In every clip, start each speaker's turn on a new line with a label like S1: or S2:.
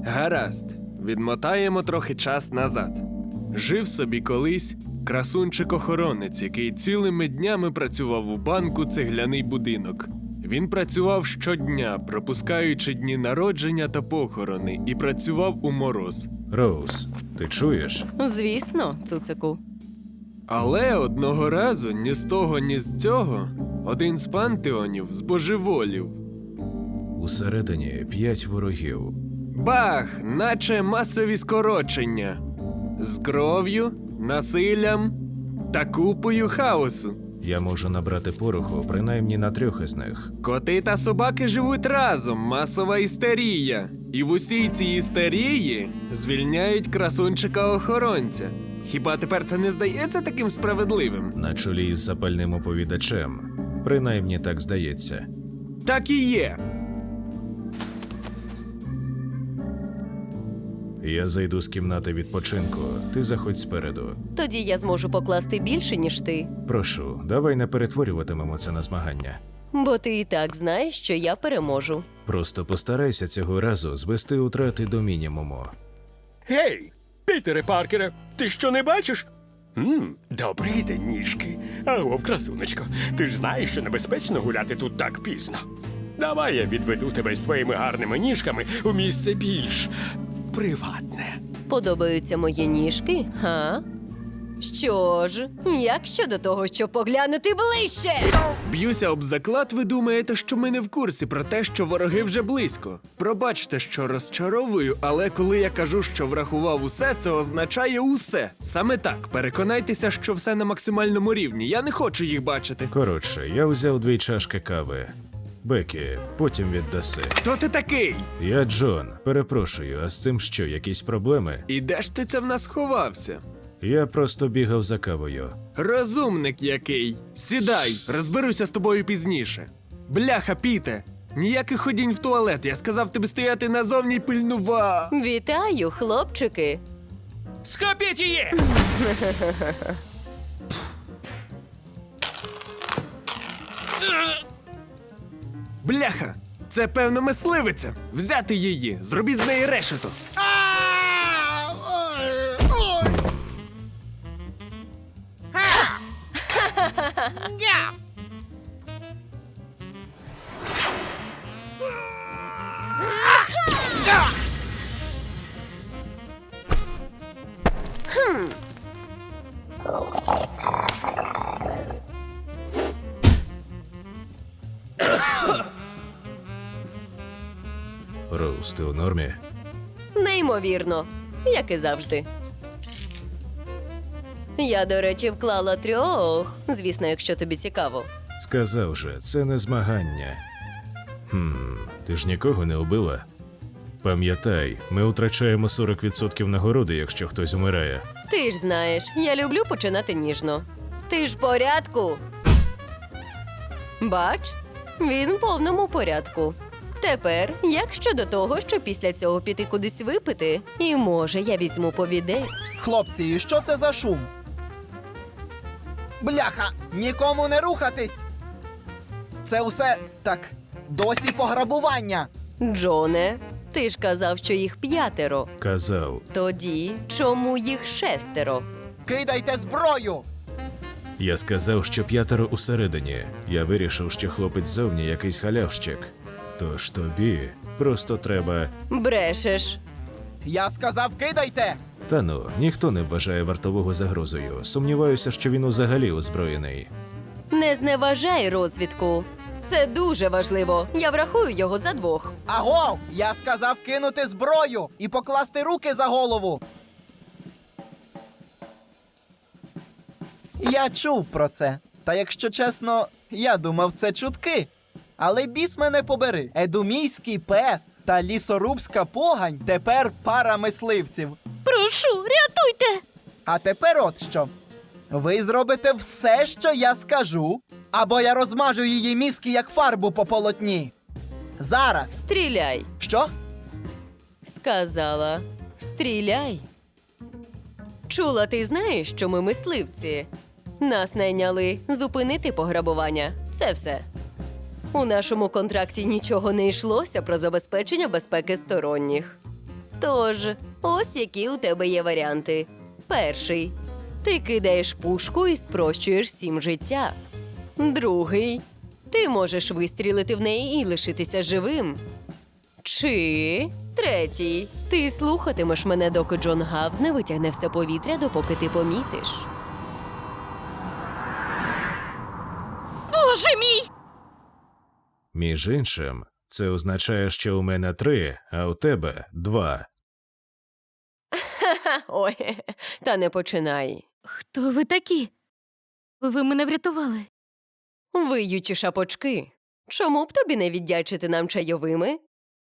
S1: Гаразд, відмотаємо трохи час назад. Жив собі колись красунчик-охоронець, який цілими днями працював у банку «Цегляний будинок». Він працював щодня, пропускаючи дні народження та похорони, і працював у мороз.
S2: Роуз, ти чуєш?
S3: Звісно, цуцику.
S1: Але одного разу ні з того, ні з цього один з пантеонів збожеволів.
S2: Усередині 5 ворогів.
S1: Бах! Наче масові скорочення. З кров'ю, насиллям та купою хаосу.
S2: Я можу набрати пороху принаймні на 3 із них.
S1: Коти та собаки живуть разом, масова істерія. І в усій цій істерії звільняють красунчика-охоронця. Хіба тепер це не здається таким справедливим?
S2: На чолі із запальним оповідачем. Принаймні так здається.
S1: Так і є.
S2: Я зайду з кімнати відпочинку, ти заходь спереду.
S3: Тоді я зможу покласти більше, ніж ти.
S2: Прошу, давай не перетворюватимемо це на змагання.
S3: Бо ти і так знаєш, що я переможу.
S2: Просто постарайся цього разу звести утрати до мінімуму.
S4: Гей, Пітере Паркере, ти що не бачиш? Добрий день, ніжки. Агов, красунечко, ти ж знаєш, що небезпечно гуляти тут так пізно. Давай я відведу тебе з твоїми гарними ніжками у місце більш приватне.
S3: Подобаються мої ніжки, га? Що ж, як щодо того, щоб поглянути ближче?
S1: Б'юся об заклад, ви думаєте, що ми не в курсі про те, що вороги вже близько. Пробачте, що розчаровую, але коли я кажу, що врахував усе, це означає усе. Саме так, переконайтеся, що все на максимальному рівні. Я не хочу їх бачити.
S2: Коротше, я взяв 2 чашки кави. Бекі, потім віддаси.
S1: Хто ти такий?
S2: Я Джон. Перепрошую, а з цим що, якісь проблеми?
S1: І де ж ти це в нас ховався?
S2: Я просто бігав за кавою.
S1: Розумник який. Сідай, розберуся з тобою пізніше. Бляха, Піте, ніяких ходінь в туалет. Я сказав тобі стояти назовні й
S3: Вітаю, хлопчики.
S4: Схопіть її!
S1: Бляха, це певно мисливиця. Взяти її, зробіть з неї решето.
S2: Роуз, ти у нормі?
S3: Неймовірно, як і завжди. Я, до речі, вклала 3, звісно, якщо тобі цікаво.
S2: Сказав же, це не змагання. Ти ж нікого не убила? Пам'ятай, ми втрачаємо 40% нагороди, якщо хтось умирає.
S3: Ти ж знаєш, я люблю починати ніжно. Ти ж в порядку? Бач, він в повному порядку. Тепер, як щодо того, що після цього піти кудись випити, і може я візьму повідець.
S5: Хлопці, і що це за шум? Бляха! Нікому не рухатись! Це усе так досі пограбування.
S3: Джоне, ти ж казав, що їх 5.
S2: Казав.
S3: Тоді чому їх 6?
S5: Кидайте зброю!
S2: Я сказав, що 5 усередині. Я вирішив, що хлопець ззовні якийсь халявщик. Тож тобі просто треба...
S3: Брешеш.
S5: Я сказав, кидайте!
S2: Та ну, ніхто не вважає вартового загрозою. Сумніваюся, що він взагалі озброєний.
S3: Не зневажай розвідку. Це дуже важливо. Я врахую його за 2.
S5: Агов! Я сказав кинути зброю і покласти руки за голову. Я чув про це. Та якщо чесно, я думав, це чутки. Але біс мене побери. Едумійський пес та лісорубська погань тепер пара мисливців.
S3: Прошу, рятуйте!
S5: А тепер от що. Ви зробите все, що я скажу, або я розмажу її мізки, як фарбу по полотні. Зараз.
S3: Стріляй.
S5: Що?
S3: Сказала. Стріляй. Чула, ти знаєш, що ми мисливці. Нас найняли зупинити пограбування. Це все. У нашому контракті нічого не йшлося про забезпечення безпеки сторонніх. Тож, ось які у тебе є варіанти. Перший. Ти кидаєш пушку і спрощуєш всім життя. Другий. Ти можеш вистрілити в неї і лишитися живим. Чи третій. Ти слухатимеш мене, доки Джон Гавз не витягне все повітря, допоки ти помітиш.
S6: Боже мій!
S2: Між іншим, це означає, що у мене 3, а у тебе 2.
S3: Ой, та не починай.
S6: Хто ви такі? Ви мене врятували.
S3: Виючі шапочки. Чому б тобі не віддячити нам чайовими?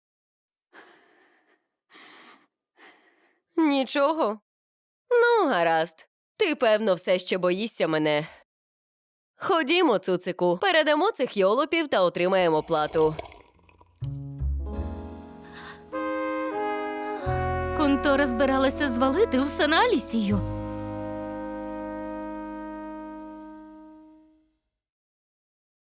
S3: Нічого. Ну, гаразд. Ти, певно, все ще боїшся мене. Ходімо, цуцику, передамо цих йолопів та отримаємо плату.
S6: Контора збиралася звалити усе на Алісію.